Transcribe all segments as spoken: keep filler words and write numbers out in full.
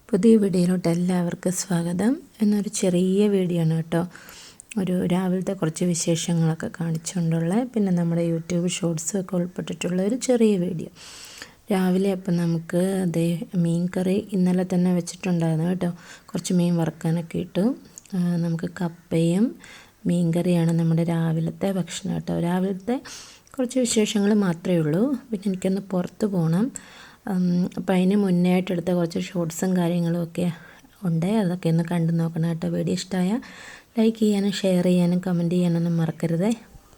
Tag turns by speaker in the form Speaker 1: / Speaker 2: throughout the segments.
Speaker 1: പുതിയ വീഡിയോയിലോട്ട് എല്ലാവർക്കും സ്വാഗതം. എന്നൊരു ചെറിയ വീഡിയോ ആണ് കേട്ടോ. ഒരു രാവിലത്തെ കുറച്ച് വിശേഷങ്ങളൊക്കെ കാണിച്ചുകൊണ്ടുള്ള, പിന്നെ നമ്മുടെ യൂട്യൂബ് ഷോർട്സും ഒക്കെ ഉൾപ്പെട്ടിട്ടുള്ള ഒരു ചെറിയ വീഡിയോ. രാവിലെ അപ്പം നമുക്ക് അതേ മീൻ കറി ഇന്നലെ തന്നെ വെച്ചിട്ടുണ്ടായിരുന്നു കേട്ടോ. കുറച്ച് മീൻ വറുക്കാനൊക്കെ ഇട്ടു. നമുക്ക് കപ്പയും മീൻ കറിയാണ് നമ്മുടെ രാവിലത്തെ ഭക്ഷണം കേട്ടോ. രാവിലത്തെ കുറച്ച് വിശേഷങ്ങൾ മാത്രമേ ഉള്ളൂ. പിന്നെ എനിക്കൊന്ന് പുറത്ത് പോകണം. അപ്പം അതിന് മുന്നേ ആയിട്ട് എടുത്ത കുറച്ച് ഷോർട്സും കാര്യങ്ങളും ഒക്കെ ഉണ്ട്. അതൊക്കെ ഒന്ന് കണ്ടു നോക്കണം കേട്ടോ. വീഡിയോ ഇഷ്ടമായാൽ ലൈക്ക് ചെയ്യാനും ഷെയർ ചെയ്യാനും കമൻറ്റ് ചെയ്യാനൊന്നും മറക്കരുതേ.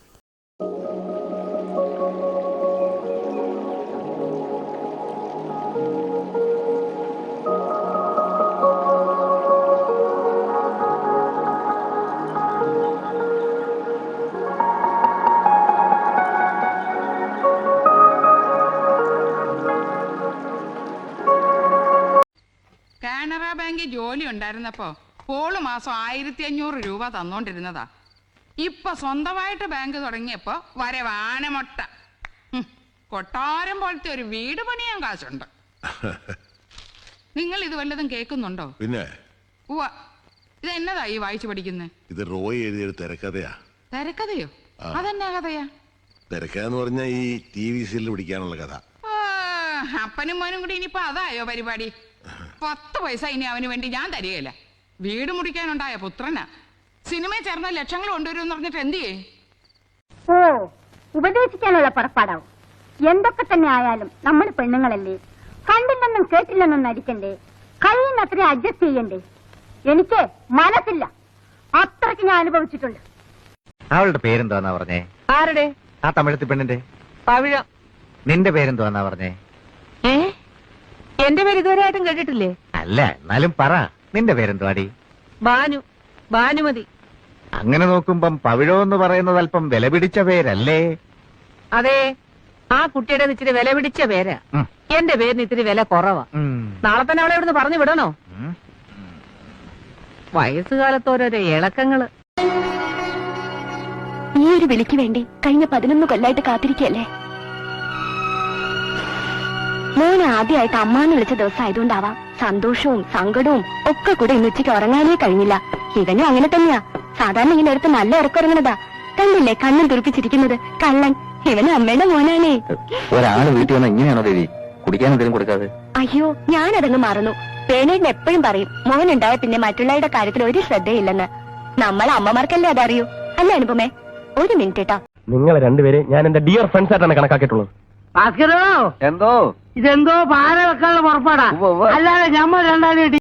Speaker 2: കാനറ ബാങ്കിൽ ജോലി ഉണ്ടായിരുന്നപ്പോ പോള് മാസം ആയിരത്തി അഞ്ഞൂറ് രൂപ തന്നോണ്ടിരുന്നതാ. ഇപ്പൊ സ്വന്തമായിട്ട് ബാങ്ക് തുടങ്ങിയപ്പോ വരവാനമൊട്ട. കൊട്ടാരം പോലത്തെ ഒരു വീട് പണിയാൻ കാശുണ്ട്. നിങ്ങൾ ഇത് വല്ലതും കേൾക്കുന്നുണ്ടോ?
Speaker 3: പിന്നെ
Speaker 2: ഉവ്വ. ഇത് എന്നതാ ഈ വായിച്ചു പഠിക്കുന്നത്?
Speaker 3: ഇത് റോയ് എഴുതിയൊരു തിരക്കഥയാ.
Speaker 2: തിരക്കഥയോ? അതെന്നാ കഥയാ?
Speaker 3: തിരക്കഥന്ന് പറഞ്ഞാൽ ഈ ടി വി സീരിയൽ പിടിക്കാനുള്ള കഥ.
Speaker 2: അപ്പനും മോനും കൂടി ഇനിയിപ്പോ അതായോ പരിപാടി? പത്ത് പൈസ ഇനി അവന് വേണ്ടി ഞാൻ തരികയില്ല. വീട് മുടിക്കാനുണ്ടായ പുത്രനാ. സിനിമയിൽ ചേർന്ന ലക്ഷങ്ങൾ കൊണ്ടുവരും പറഞ്ഞിട്ട് എന്ത് ചെയ്യേ?
Speaker 4: ഓ, ഉപദേശിക്കാനുള്ള പുറപ്പാടാവും. എന്തൊക്കെ തന്നെ ആയാലും നമ്മൾ പെണ്ണുങ്ങളല്ലേ, കണ്ടില്ലെന്നും കേട്ടില്ലെന്നും നടിക്കണ്ടേ, കഴിയുന്നത്ര അഡ്ജസ്റ്റ് ചെയ്യണ്ടേ. എനിക്ക് മനസ്സില്ല, അത്രയ്ക്ക് ഞാൻ അനുഭവിച്ചിട്ടുണ്ട്.
Speaker 5: അവളുടെ പേരെന്തോന്നാ പറഞ്ഞേ?
Speaker 6: ആരുടെ?
Speaker 5: ആ തമിഴത്തി പെണ്ണിന്റെ.
Speaker 6: പവിഴം.
Speaker 5: നിന്റെ പേരെന്തോന്നാ പറഞ്ഞേ?
Speaker 6: ഏ എന്റെ പേര് ഇതുവരെ ആയിട്ടും കേട്ടിട്ടില്ലേ?
Speaker 5: അല്ല, എന്നാലും പറ, നിന്റെ പേരെന്തുവാടി?
Speaker 6: ബാനു. ഭാനുമതി.
Speaker 5: അങ്ങനെ നോക്കുമ്പം പവിഴോ എന്ന് പറയുന്നത് അല്പം വില പിടിച്ച പേരല്ലേ?
Speaker 6: അതെ, ആ കുട്ടിയുടെ ഇച്ചിരി വില പിടിച്ച പേരാ. എന്റെ പേരിന് ഇത്തിരി വില കുറവാ. നാളെ തന്നെ അവളെ ഇവിടുന്ന് പറഞ്ഞു വിടണോ? വയസ്സുകാലത്ത് ഓരോരോ ഇളക്കങ്ങള്.
Speaker 4: ഈ ഒരു വിളിക്ക് വേണ്ടി കഴിഞ്ഞ പതിനൊന്ന് കൊല്ലായിട്ട് കാത്തിരിക്കല്ലേ. മോനെ ആദ്യമായിട്ട് അമ്മാന്ന് വിളിച്ച ദിവസം ആയതുകൊണ്ടാവാം സന്തോഷവും സങ്കടവും ഒക്കെ കൂടെ ഇന്ന് ഉച്ചയ്ക്ക് ഉറങ്ങാനേ കഴിഞ്ഞില്ല. ഇവനും അങ്ങനെ തന്നെയാ. സാധാരണ ഇങ്ങനെ അടുത്ത് നല്ല ഉറക്കുറങ്ങണതാ. കണ്ടില്ലേ കണ്ണും തുറപ്പിച്ചിരിക്കുന്നത്? കള്ളൻ. ഇവന് അമ്മയുടെ മോനാണേ.
Speaker 5: ഒരാള് വീട്ടിൽ വന്ന ഇങ്ങനെയാണോ ദേവി? കുടിക്കാൻ എന്തെങ്കിലും കൊടുക്കാതെ?
Speaker 4: അയ്യോ, ഞാനതങ്ങ് മറന്നു. പേനേടിന് എപ്പോഴും പറയും മോനുണ്ടായ പിന്നെ മറ്റുള്ളവരുടെ കാര്യത്തിൽ ഒരു ശ്രദ്ധയില്ലെന്ന്. നമ്മളെ അമ്മമാർക്കല്ലേ അതറിയൂ. അല്ല അനുപമേ? ഒരു മിനിറ്റ് കേട്ടോ.
Speaker 7: നിങ്ങൾ രണ്ടുപേരെ ഞാൻ എന്റെ ഡിയർ ഫ്രണ്ട്സ് ആയിട്ടാണ് കണക്കാക്കിയിട്ടുള്ളത്.
Speaker 6: ഭാസ്കരോ,
Speaker 5: എന്തോ
Speaker 6: ഇതെന്തോ പാല വെക്കാനുള്ള പുറപ്പാടാ. അല്ലാതെ ഞമ്മ രണ്ടാളും